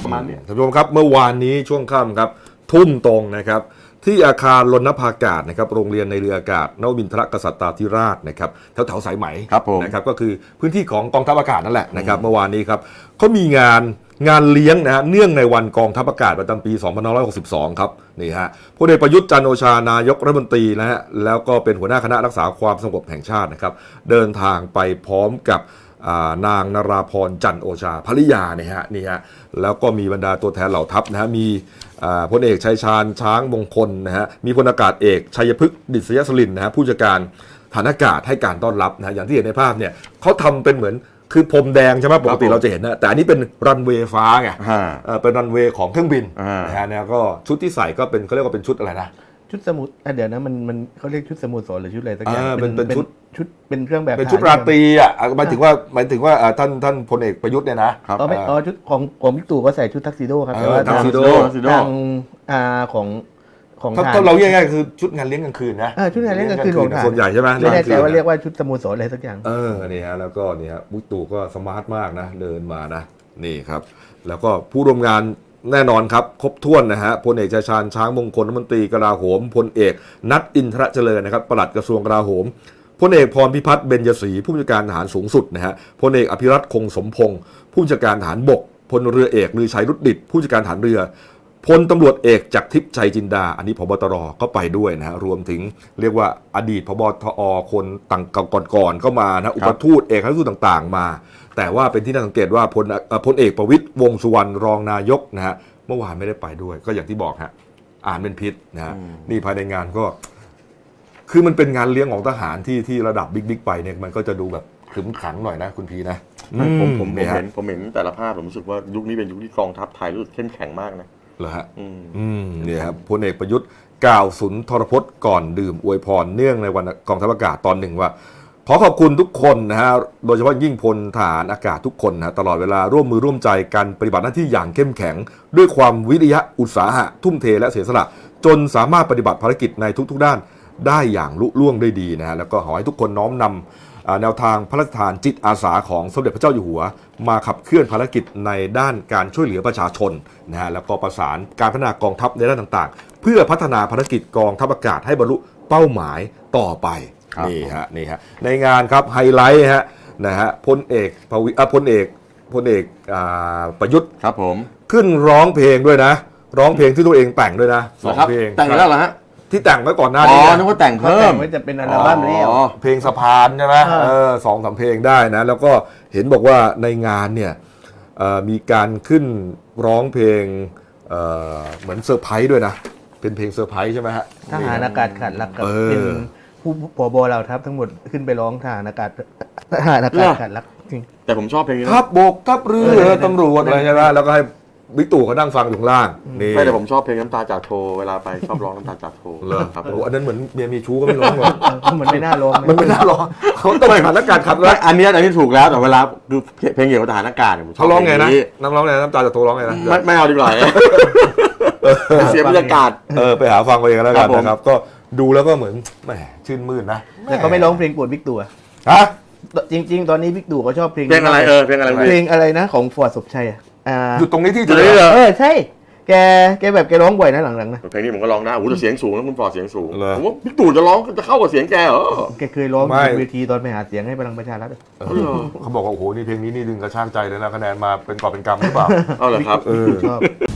ประมาณนี้ท่านผู้ชมครับเมื่อวานนี้ช่วงค่ำครับทุ่มตรงนะครับที่อาคารรณภากาศนะครับโรงเรียนในเรืออากาศนวมินทรกษัตริย์ธิราชนะครับแถวสายไหมนะครับก็คือพื้นที่ของกองทัพอากาศนั่นแหละนะครับเมื่อวานนี้ครับเขามีงานเลี้ยงนะฮะเนื่องในวันกองทัพอากาศประจำปี 2562 ครับนี่ฮะพลเอกประยุทธ์จันทร์โอชานายกรัฐมนตรีนะฮะแล้วก็เป็นหัวหน้าคณะรักษาความสงบแห่งชาตินะครับเดินทางไปพร้อมกับนางนราพรจันทร์โอชาภริยาเนี่ยฮะนี่ฮะแล้วก็มีบรรดาตัวแทนเหล่าทัพนะฮะมีพลเอกชัยชาญช้างมงคลนะฮะมีพลอากาศเอกชัยพฤกษ์ดิษยสลินนะฮะผู้จัดการฐานอากาศให้การต้อนรับนะอย่างที่เห็นในภาพเนี่ยเขาทำเป็นเหมือนคือพรมแดงใช่ไหมปกติเราจะเห็นนะแต่อันนี้เป็นรันเวย์ฟ้าไงเป็นรันเวย์ของเครื่องบินนะฮะแล้วก็ชุดที่ใส่ก็เป็นเขาเรียกว่าเป็นชุดอะไรนะชุดสมุดเดี๋ยวนะมันเขาเรียกชุดสมุดสอนหรือชุดอะไรสักอย่างเป็นชุดเป็นเครื่องแบบเป็นชุดราตรีอ่ะหมายถึงว่าท่านพลเอกประยุทธ์เนี่ยนะชุดของบิ๊กตู่ก็ใส่ชุดทักซิโดครับแต่ว่าทักซิโดทางของถ้าเราเรียกง่ายๆคือชุดงานเลี้ยงกลางคืนนะชุดงานเลี้ยงกลางคืนของส่วนใหญ่ใช่ไหมไม่แน่ใจว่าเรียกว่าชุดสโมสรอะไรสักอย่างนี่ฮะแล้วก็นี่ฮะบิ๊กตู่ก็สมาร์ทมากนะเดินมานะนี่ครับแล้วก็ผู้ร่วมงานแน่นอนครับครบถ้วนนะฮะพลเอกชัยชาญช้างมงคลรัฐมนตรีกลาโหมพลเอกนัทอินทรเจริญนะครับปลัดกระทรวงกลาโหมพลเอกพรพิพัฒน์เบญจศรีผู้บัญชาการทหารสูงสุดนะฮะพลเอกอภิรัตคงสมพงศ์ผู้บัญชาการทหารบกพลเรือเอกลือชัยรุดดิตผู้บัญชาการทหารเรือพลตำรวจเอกจักรทิพย์ชัยจินดาอันนี้ผบ.ตร.ก็ไปด้วยนะฮะรวมถึงเรียกว่าอดีตผบ.ทอ.คนต่างก่อนก็มานะอุปทูตเอกอัครราชทูตต่างๆมาแต่ว่าเป็นที่น่าสังเกตว่าพลเอกประวิตรวงษ์สุวรรณรองนายกนะฮะเมื่อวานไม่ได้ไปด้วยก็อย่างที่บอกฮะอ่านเป็นพิษนะฮะนี่ภายในงานก็คือมันเป็นงานเลี้ยงของทหารที่ระดับบิ๊กไปเนี่ยมันก็จะดูแบบขรึมขังหน่อยนะคุณพีนะผมเห็นแต่ละภาพผมรู้สึกว่ายุคนี้เป็นยุคที่กองทัพไทยรู้สึกเข้มแข็งมากนะเหรอฮะเนี่ยครับพลเอกประยุทธ์กล่าวสุนทรพจน์ก่อนดื่มอวยพรเนื่องในวันกองทัพอากาศตอนหนึ่งว่าขอขอบคุณทุกคนนะฮะโดยเฉพาะยิ่งพลทหารอากาศทุกคนนะตลอดเวลาร่วมมือร่วมใจกันปฏิบัติหน้าที่อย่างเข้มแข็งด้วยความวิริยะอุตสาหะทุ่มเทและเสียสละจนสามารถปฏิบัติภารกิจในทุกๆด้านได้อย่างลุล่วงได้ดีนะฮะแล้วก็ขอให้ทุกคนน้อมนำแนวทางพระราชทานจิตอาสาของสมเด็จพระเจ้าอยู่หัวมาขับเคลื่อนภารกิจในด้านการช่วยเหลือประชาชนนะฮะแล้วก็ประสานการพัฒนากองทัพในด้านต่างๆเพื่อพัฒนาภารกิจกองทัพอากาศให้บรรลุเป้าหมายต่อไปนี่ฮะในงานครับไฮไลท์ฮะนะฮะพลเอกประยุทธ์ครับผมขึ้นร้องเพลงด้วยนะร้องเพลงที่ตัวเองแต่งด้วยนะ2 เพลงแต่งแล้วเหรอฮะที่แต่งไว้ก่อนหน้านี้นึกว่าแต่งเพิ่มจะเป็นอัลบั้มแล้วเพลงสะพานใช่ไหม2-3 เพลงได้นะแล้วก็เห็นบอกว่าในงานเนี่ยมีการขึ้นร้องเพลงเหมือนเซอร์ไพรส์ด้วยนะเป็นเพลงเซอร์ไพรส์ใช่ไหมฮะทหารอากาศขาดรักกับเป็นผู้ผบ.เราทัพทั้งหมดขึ้นไปร้องทหารอากาศขาดรักจริงแต่ผมชอบเพลงนี้ทัพบกทัพเรือตำรวจอะไรใช่ไหมแล้วก็ให้บิ๊กตู่เขานั่งฟังอยู่ข้างล่างนี่ไม่แต่ผมชอบเพลงน้ำตาจากโทเวลาไปชอบร้องน้ำตาจากโทเลยครับอันนั้นเหมือนเมียมีชู้ก็ไม่ร้องหรอกมันไม่น่าร้องมันไม่น่าร้องเขาต้องทหารอากาศขับแล้วอันนี้ถูกแล้วแต่เวลาดูเพลงเกี่ยวกับทหารอากาศเขาร้องไงนะน้ำร้องไงน้ำตาจากโทร้องไงนะไม่เอาดีกว่าเสียบรรยากาศไปหาฟังไปเองแล้วกันนะครับก็ดูแล้วก็เหมือนแหมชื่นมื่นนะแต่เขาไม่ร้องเพลงโปรดบิ๊กตู่ฮะจริงๆตอนนี้บิ๊กตู่เขาชอบเพลงอะไรเพลงอะไรนะของฟอร์ดศพชัยอยู่ตรงนี้ที่ใช่แกแบบแกร้องบ่อยนะหลังๆนะเพลงนี้ผมก็ร้องได้โอ้โหแต่เสียงสูงนะคุณฟอร์ดเสียงสูงผมว่าบิ๊กตู่จะร้องจะเข้ากับเสียงแกเหรอแกเคยร้องบนเวทีตอนไปหาเสียงให้พลังประชารัฐเขาบอกว่าโอ้โหนี่เพลงนี้นี่ดึงกระชากใจเลยนะคะแนนมาเป็นกอบเป็นกำหรือเปล่าเอาเหรอครับชอบ